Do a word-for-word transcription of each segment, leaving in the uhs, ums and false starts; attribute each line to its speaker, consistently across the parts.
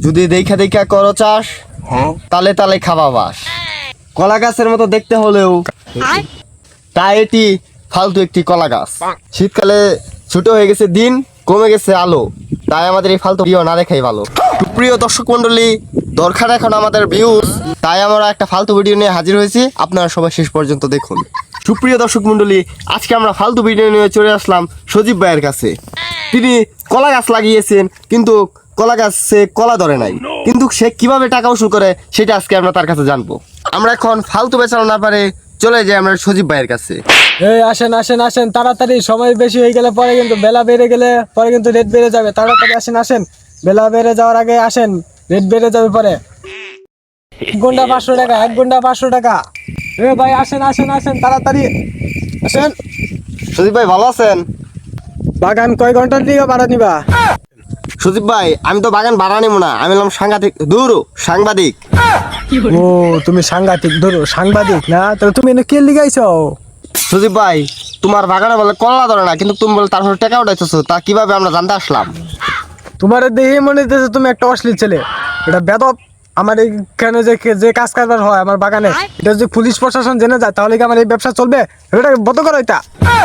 Speaker 1: যদি দেখা দেখা করো চাষ, তালে তালে খাওয়া বাস। কলা গাছের মতো দেখতে হলেও তাই এটি ফালতু একটি কলা গাছ। শীতকালে ছোট হয়ে গেছে দিন, কমে গেছে আলো, তাই আমাদের এই ফালতু ভিডিও না দেখাই ভালো। প্রিয় দর্শক মন্ডলী, দরকার এখন আমাদের ভিউজ, তাই আমরা একটা ফালতু ভিডিও নিয়ে হাজির হয়েছি। আপনারা সবাই শেষ পর্যন্ত দেখুন। সুপ্রিয় দর্শক মন্ডলী, আজকে আমরা ফালতু ভিডিও নিয়ে চলে আসলাম সজীব ভাইয়ের কাছে। তিনি কলা গাছ লাগিয়েছেন, কিন্তু কলা গাছে কলা ধরে নাই, কিন্তু সে কিভাবে টাকা উসুল করে সেটা আজকে আমরা তার কাছে জানবো। আমরা এখন ফালতু বেচানো না পারে চলে যাই আমরা সজীব ভাইয়ের কাছে।
Speaker 2: এই আসেন আসেন আসেন, তাড়াতাড়ি, সময় বেশি হয়ে গেলে পরে কিন্তু বেলা বেড়ে গেলে পরে কিন্তু রেট বেড়ে যাবে। তাড়াতাড়ি আসেন আসেন, বেলা বেড়ে যাওয়ার আগে আসেন, রেট বেড়ে যাবে পরে। এক ঘন্টা পাঁচশো টাকা, এক ঘন্টা পাঁচশো টাকা। এ ভাই আসেন আসেন আসেন, তাড়াতাড়ি আসেন।
Speaker 1: সজীব ভাই ভালো আছেন?
Speaker 2: বাগান কয় ঘন্টার দিকে ভাড়া নিবা?
Speaker 1: সজীব ভাই, আমি তো বাগান ভাড়া নিব না, আমি হলাম সাংঘাতিক দূর সাংবাদিক।
Speaker 2: ও তুমি সাংঘাতিক, ধরো সাংবাদিক না? তাহলে তুমি এনে কে লিগাইছো?
Speaker 1: সজীব ভাই, তোমার বাগানে বলে কলা ধরে না, কিন্তু তুমি বলে তারপরে টাকা উঠাইতেছো, তা কিভাবে আমরা জানতে আসলাম?
Speaker 2: তোমার দেখে মনে হচ্ছে তুমি একটা অশ্লীল ছেলে, এটা বেদব। আমার এইখানে যে যে কাজ কারবার হয় আমার বাগানে, এটা যদি পুলিশ প্রশাসন জেনে যায় তাহলে কি আমার এই ব্যবসা চলবে? এটা বন্ধ করো এটা।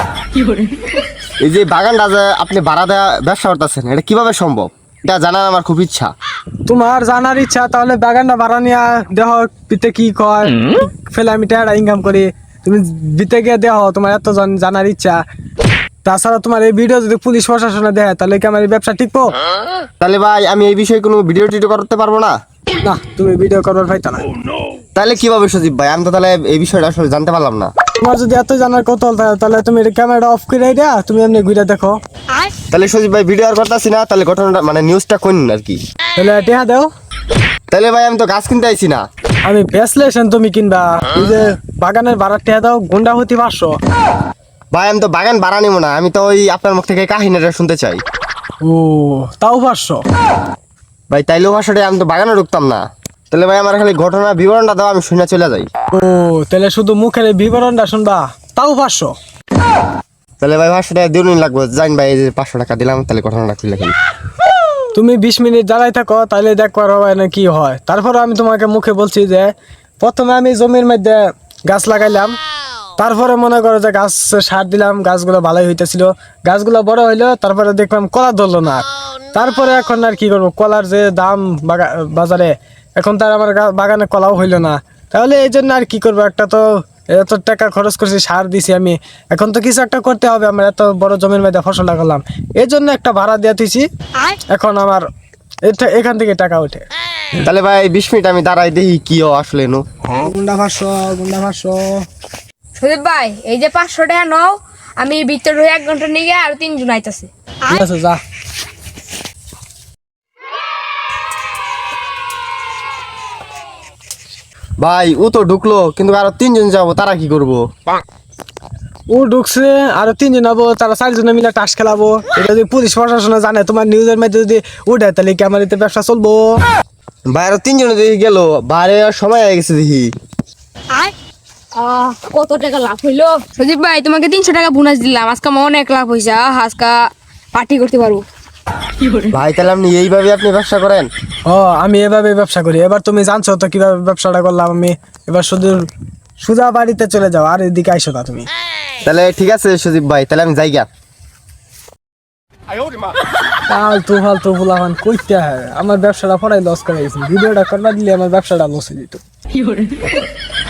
Speaker 1: এই যে বাগানটা যে আপনি ভাড়া দেওয়া ব্যবসা করতেছেন, এটা কিভাবে সম্ভব? এটা জানার আমার খুব ইচ্ছা।
Speaker 2: তোমার জানার ইচ্ছা, তাহলে বাগানটা ভাড়া নিয়ে দেহ পিতে কি কয় ফেলে আমি টাকা ইনকাম করি, তুমি দিতে গিয়ে দেহ। তোমার এত জন- জানার ইচ্ছা। তাছাড়া তোমার এই ভিডিও যদি পুলিশ প্রশাসনে দেয় তাহলে কি আমার এই ব্যবসা টিকবো?
Speaker 1: তাহলে ভাই আমি এই বিষয়ে কোনো ভিডিও টিডিও করতে পারবো না?
Speaker 2: না, তুমি ভিডিও করবার পাইতো না।
Speaker 1: তাহলে কিভাবে সজীব ভাই? আমি তো তাহলে এই বিষয়টা আসলে জানতে পারলাম না।
Speaker 2: তোমার যদি এত জানার কৌতূহল থাকে তাহলে তুমি ক্যামেরাটা অফ করে দেয়া, তুমি এমনি ঘুরে দেখো।
Speaker 1: তাহলে সজীব ভাই ভিডিও আর করতেছি না, তাহলে ঘটনাটা মানে নিউজটা কোন আর কি?
Speaker 2: তাহলে টেহা দাও।
Speaker 1: তাহলে ভাই আমি তো গাছ কিনতে আইছি না।
Speaker 2: আমি বেসলেশন, তুমি কিনবা। এই যে বাগানের ভাড়া টেহা দাও, গুন্ডা হতে পারছো।
Speaker 1: ভাই আমি তো বাগান ভাড়া নিব না, আমি তো ওই আপনার মুখ থেকে কাহিনীটা শুনতে চাই।
Speaker 2: ও তাও পারছো?
Speaker 1: ভাই তাইলেও ভাষাটাই, আমি তো বাগানে ঢুকতাম না। তাহলে ভাই আমার খালি ঘটনা বিবরণটা দাও, আমি শুনে চলে যাই।
Speaker 2: ও তাহলে শুধু মুখের এই বিবরণটা শুনবা, তাও পারছো?
Speaker 1: তাহলে ভাই ভাষাটা দিন লাগবে। জান ভাই, এই যে পাঁচশো টাকা দিলাম, তাহলে ঘটনাটা খুলে খেলি।
Speaker 2: তুমি বিশ মিনিট দাঁড়াই থাকো, তাহলে দেখবার হয় না কি হয়। তারপর আমি তোমাকে মুখে বলছি যে প্রথমে আমি জমির মধ্যে গাছ লাগাইলাম, তারপরে মনে করো যে গাছ সার দিলাম, গাছগুলো ভালোই হইতেছিল, গাছগুলো বড় হইলো, তারপরে দেখলাম কলা ধরলো না। তারপরে এখন আর কি করবো, কলার যে দাম বাগা- বাজারে, এখন তার আমার গা- বাগানে কলাও হইলো না। তাহলে এই জন্য আর কি করবো, একটা তো এত টাকা খরচ করছি, সার দিছি আমি, এখন তো কিছু একটা করতে হবে। আমার এত বড় জমির মধ্যে ফসল লাগালাম, এই জন্য একটা ভাড়া দিয়ে দিছি। এখন আমার এটা এখান থেকে টাকা ওঠে।
Speaker 1: তাহলে ভাই বিশ মিনিট আমি দাঁড়াই দেখি কি ও আসলে নো।
Speaker 2: গুন্ডা পাঁচশো, গুন্ডা পাঁচশো।
Speaker 3: সুদীপ ভাই, এই যে পাঁচশো টাকা নাও, আমি ভিতর হয়ে এক ঘন্টা নিয়ে গিয়ে আর তিনজন আইতাছে।
Speaker 2: ঠিক আছে, যা।
Speaker 1: ভাই ও তো ঢুকলো, কিন্তু আরো তিনজন যাবো, তারা কি করবো?
Speaker 2: ও ঢুকছে, আর তিনজন হবো, তারা চারজনে মিলে টাস খেলাবো। এটা যদি পুলিশ প্রশাসনে জানে, তোমার নিউজের মধ্যে যদি উঠে, তাহলে কি আমার এতে ব্যবসা চলবো?
Speaker 1: ভাই আরো তিনজনে দেখি গেল, বাইরে আর সময় হয়ে গেছে দেখি।
Speaker 3: আহ, কত টাকা লাভ হইলো সুদীপ ভাই? তোমাকে তিনশো টাকা বোনাস দিলাম, আজকে আমার অনেক লাভ হয়েছে। আহ, আজকে পার্টি করতে পারবো।
Speaker 1: ভাই তাহলে আপনি এইভাবে আপনি ব্যবসা করেন?
Speaker 2: ও আমি এভাবে ব্যবসা করি। এবার তুমি জানছো তো কিভাবে ব্যবসাটা করলাম আমি। এবার শুধু সুজা বাড়িতে চলে যাও, আর এদিকে আইসো না তুমি।
Speaker 1: তাহলে ঠিক আছে সজীব ভাই, তাহলে আমি যাই গা।
Speaker 2: ফালতু ফালতু ফুলাফান কইতে হয়, আমার ব্যবসাটা পড়াই লস করে গেছি। ভিডিওটা করবা দিলে আমার ব্যবসাটা লস হয়ে যেত।